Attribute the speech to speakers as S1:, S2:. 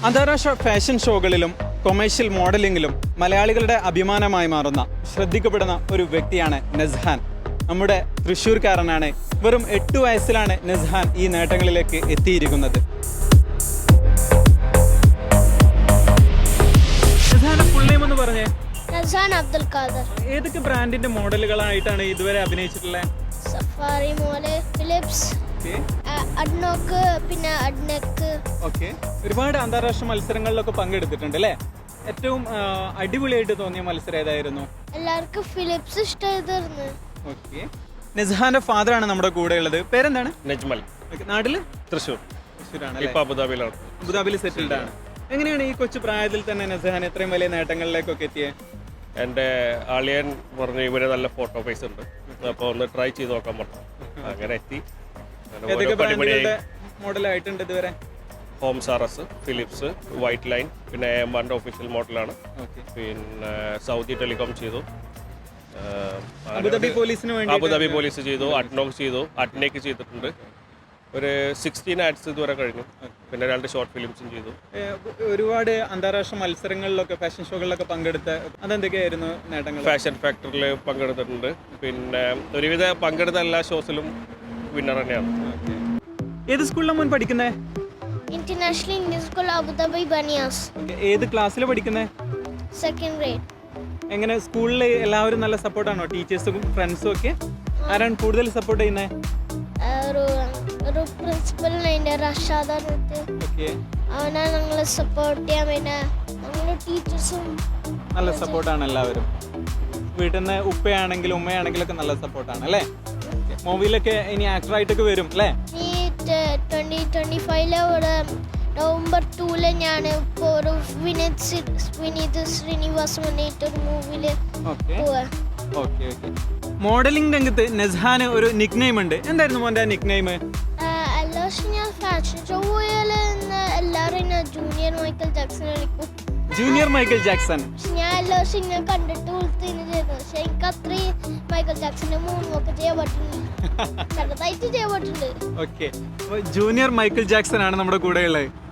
S1: അന്താരാഷ്ട്ര fashion ഷോകളിലും commercial മോഡലിംഗിലും മലയാളികളുടെ അഭിമാനമായി മാറുന്ന ശ്രദ്ധിക്കപ്പെടുന്ന ഒരു വ്യക്തിയാണ് നസ്ഹാൻ. നമ്മുടെ തൃശ്ശൂർക്കാരനാണ്. വെറും 8 വയസ്സിലാണ് നസ്ഹാൻ ഈ നേട്ടങ്ങളിലേക്ക് എത്തിയിരിക്കുന്നത്. നസ്ഹാന്റെ ഫുൾ നെയിം എന്ന് പറഞ്ഞേ?
S2: നസ്ഹാൻ അബ്ദുൽ ഖാദർ.
S1: ഏതൊക്കെ ബ്രാൻഡിന്റെ മോഡലുകളായിട്ടാണ് ഇതുവരെ അഭിനയിച്ചിട്ടുള്ളത്?
S2: സഫാരി മോഡൽ, ഫിലിപ്സ്, അഡ്നോക്ക്, പിന്നെ അഡ്നെക്ക്.
S1: ഓക്കെ, ഒരുപാട് അന്താരാഷ്ട്ര മത്സരങ്ങളിലൊക്കെ പങ്കെടുത്തിട്ടുണ്ട് അല്ലേ? ഏറ്റവും അടിപൊളിയായിട്ട് തോന്നിയ മത്സരം ഏതായിരുന്നു?
S2: എല്ലാവർക്കും ഫിലിപ്സ് ഇഷ്ടമായിരുന്നു.
S1: ഓക്കെ, നസ്ഹാന്റെ ഫാദർ ആണ് നമ്മുടെ കൂടെ ഉള്ളത്. പേരെന്താണ്?
S3: നജ്മൽ.
S1: നാട്ടില്
S3: തൃശ്ശൂരാണ്. ഇപ്പൊ അബുദാബിയിലാണ്.
S1: അബുദാബിയിൽ സെറ്റിൽഡ് ആണ്. എങ്ങനെയാണ് ഈ കൊച്ചു പ്രായത്തിൽ തന്നെ നസ്ഹാൻ ഇത്രയും വലിയ നേട്ടങ്ങളിലേക്കൊക്കെ എത്തിയത്?
S3: എൻ്റെ ആളിയൻ പറഞ്ഞു ഇവര് നല്ല ഫോട്ടോ ഫേസ് ഉണ്ട്, അപ്പോൾ ഒന്ന് ട്രൈ ചെയ്ത് നോക്കാൻ പറഞ്ഞു. അങ്ങനെ എത്തി.
S1: ഏതൊക്കെ ബ്രാൻഡുകളുടെ മോഡലായിട്ടുണ്ട് ഇതുവരെ?
S3: Homes RS, Philips, white line, പിന്നെ M1 ഒഫീഷ്യൽ മോഡലാണ്. പിന്നെ സൗദി ടെലികോം ചെയ്തു,
S1: അബുദാബി പോലീസിന് വേണ്ടി
S3: അബുദാബി പോലീസ് ചെയ്തു, അഡ്നോക്ക് ചെയ്തു, അഡ്നേക്ക് ചെയ്തിട്ടുണ്ട്. ഒരു 16 ആഡ്സ് ഇതുവരെ കഴിഞ്ഞു. പിന്നെ 2 ഷോർട്ട് ഫിലിംസും ചെയ്തു.
S1: ഒരുപാട് അന്താരാഷ്ട്ര മത്സരങ്ങളിലൊക്കെ ഫാഷൻ ഷോകളിലൊക്കെ പങ്കെടുത്ത അതെന്തൊക്കെയായിരുന്നു നേട്ടങ്ങൾ?
S3: ഫാഷൻ ഫാക്ടറിൽ പങ്കെടുത്തിട്ടുണ്ട്. പിന്നെ ഒരുവിധ പങ്കെടുത്ത എല്ലാ ഷോസിലും വിന്നർ തന്നെയാണ്.
S1: ഏത് സ്കൂളിലാണ് മോൻ പഠിക്കുന്നത്?
S2: International Indian school Abu Dhabi Baniyas.
S1: ഏത് ക്ലാസ്സിലാണ് പഠിക്കുന്നത്?
S2: Second grade.
S1: എങ്ങനെ സ്കൂളിൽ എല്ലാവരും നല്ല സപ്പോർട്ടാണോ? ടീച്ചേഴ്സും ഫ്രണ്ട്സും ഒക്കെ ആരാണ് കൂടുതൽ സപ്പോർട്ട് ചെയ്യുന്നത്?
S2: ഒരു പ്രിൻസിപ്പലിനെ റഷാദ് അവനാണ് ഞങ്ങളെ സപ്പോർട്ട് ചെയ്യാൻ. പിന്നെ ഞങ്ങളുടെ ടീച്ചേഴ്സും
S1: നല്ല സപ്പോർട്ടാണ് എല്ലാവരും. വീട്ടിൽ നിന്ന് ഉപ്പയാണെങ്കിലും ഉമ്മയാണെങ്കിലും ഒക്കെ നല്ല സപ്പോർട്ടാണ് അല്ലേ? മൂവിയിലൊക്കെ ഇനി ആക്ടറായിട്ടൊക്കെ വരും അല്ലേ?
S2: ഈ 2025 നവംബർ 2 ഞാൻ ഇപ്പോൾ ഒരു വിനീത് ശ്രീനിവാസ് മുന്നേറ്റൊരു മൂവിയിൽ പോവാ.
S1: മോഡലിംഗ് രംഗത്ത് നസ്ഹാന് ഒരു നിക് നെയിം ഉണ്ട്. എന്തായിരുന്നു മോന്റെ നിക് നെയിം?
S2: എല്ലാ ഞാൻ ഫാഷൻ ഷോ പോയാൽ എല്ലാവരും ജൂനിയർ മൈക്കൽ ജാക്സൺ വിളിക്കും.
S1: Junior Michael Jackson.
S2: ഞാൻ എല്ലാ വർഷം ഇങ്ങനെ കണ്ടിട്ട് വിളിച്ചതിന് ചെയ്തു. പക്ഷെ എനിക്ക് അത്രയും മൈക്കൽ ജാക്സന്റെ മൂന്നൊക്കെ ചെയ്യാൻ പറ്റുന്നുണ്ട്, ചെറുതായിട്ട് ചെയ്യാൻ പറ്റുന്നുണ്ട്.
S1: ഓക്കെ, ജൂനിയർ മൈക്കൽ ജാക്സൺ ആണ് നമ്മുടെ കൂടെ ഉള്ളത്.